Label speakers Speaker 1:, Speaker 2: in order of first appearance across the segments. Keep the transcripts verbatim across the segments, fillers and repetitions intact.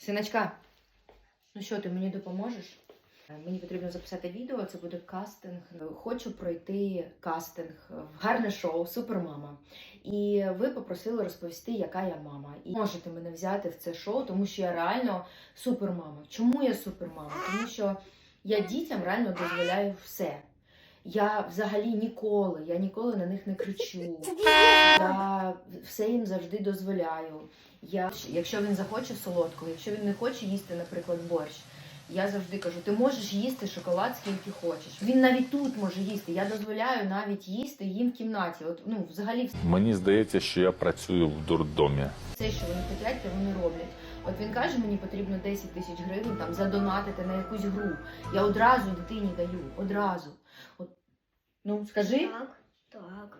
Speaker 1: Синочка, ну що, ти мені допоможеш? Мені потрібно записати відео, це буде кастинг. Хочу пройти кастинг в гарне шоу «Супермама». І ви попросили розповісти, яка я мама. І можете мене взяти в це шоу, тому що я реально супермама. Чому я супермама? Тому що я дітям реально дозволяю все. Я взагалі ніколи, я ніколи на них не кричу. Я все їм завжди дозволяю. Я, якщо він захоче солодкого, якщо він не хоче їсти, наприклад, борщ, я завжди кажу, ти можеш їсти шоколад скільки хочеш. Він навіть тут може їсти. Я дозволяю навіть їсти їм в кімнаті. От, ну, взагалі,
Speaker 2: Мені здається, що я працюю в дурдомі.
Speaker 1: все, що вони хочуть, те вони роблять. От він каже, мені потрібно десять тисяч гривень там задонатити на якусь гру. Я одразу дитині даю, одразу. От, ну, скажи.
Speaker 3: Так, так.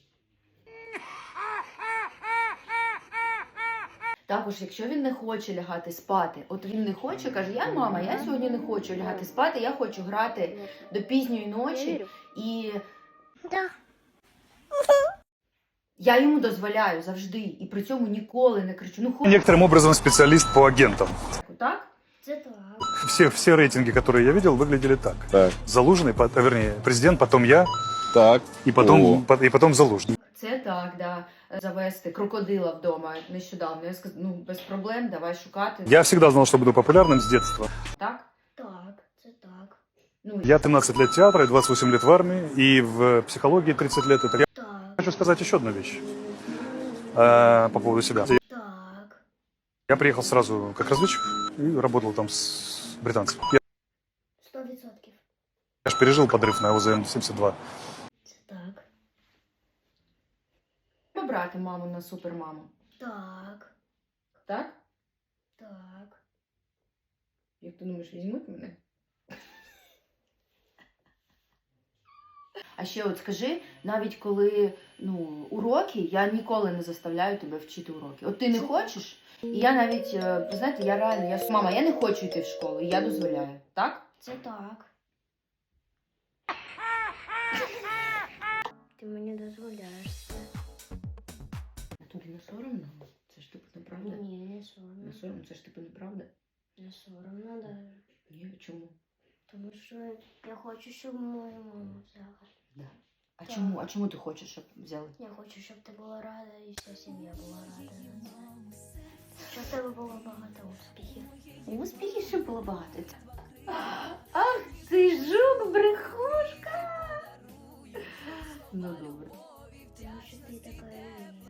Speaker 1: Також, якщо він не хоче лягати спати, от він не хоче, каже, я мама, я сьогодні не хочу лягати спати, я хочу грати до пізньої ночі, і
Speaker 3: Да.
Speaker 1: я йому дозволяю завжди, і при цьому ніколи не кричу, ну хочу,
Speaker 4: Некоторым образом специалист по агентам.
Speaker 1: так?
Speaker 3: Це так.
Speaker 4: Все, все рейтинги, которые я видел, выглядели так.
Speaker 2: Так,
Speaker 4: Залужный, по- а, вернее, президент, потом я,
Speaker 2: так.
Speaker 4: и потом,
Speaker 2: О.
Speaker 4: по- и потом Залужный.
Speaker 1: Це так, да. Завести крокодила вдома нещодавно. Я сказала, ну без проблем, давай шукати.
Speaker 4: Я всегда знал, что буду популярным с детства.
Speaker 1: Так?
Speaker 3: Так, це так.
Speaker 1: Ну,
Speaker 4: Я тринадцать лет театра и двадцать восемь лет в армии, и в психологии тридцать лет. Это я
Speaker 3: Так.
Speaker 4: хочу сказать еще одну вещь э, по поводу себя.
Speaker 3: Так.
Speaker 4: Я приехал сразу как разведчик и работал там с британцами. Я,
Speaker 3: Сто відсотків.
Speaker 4: я же пережил подрыв на ОЗМ семьдесят два.
Speaker 3: Це так.
Speaker 1: побрати маму на супермаму.
Speaker 3: Так.
Speaker 1: Так?
Speaker 3: Так.
Speaker 1: Як ти думаєш, візьмуть мене? А ще от скажи, навіть коли ну, уроки, я ніколи не заставляю тебе вчити уроки. От ти не хочеш, і я навіть, е, ви знаєте, я реально, я мама, я не хочу йти в школу, і я дозволяю. Так?
Speaker 3: Це так. Ти мені дозволяєш це.
Speaker 1: А тобі не соромно? Це ж типу неправда?
Speaker 3: Ні, не
Speaker 1: Не
Speaker 3: соромно.
Speaker 1: соромно, це ж типу неправда?
Speaker 3: Не соромно даже.
Speaker 1: Ні, чому?
Speaker 3: Тому що я хочу, щоб мою маму взяли.
Speaker 1: Да. А
Speaker 3: Так.
Speaker 1: чому? А чому ти хочеш, щоб взяли?
Speaker 3: Я хочу, щоб ти була рада і вся сім'я була рада на це. Щоб в тебе було багато успіхів.
Speaker 1: Успіхів ще було багато. Ах, ти жук, брехушка! Ну добре.
Speaker 3: Тому що ти така і є.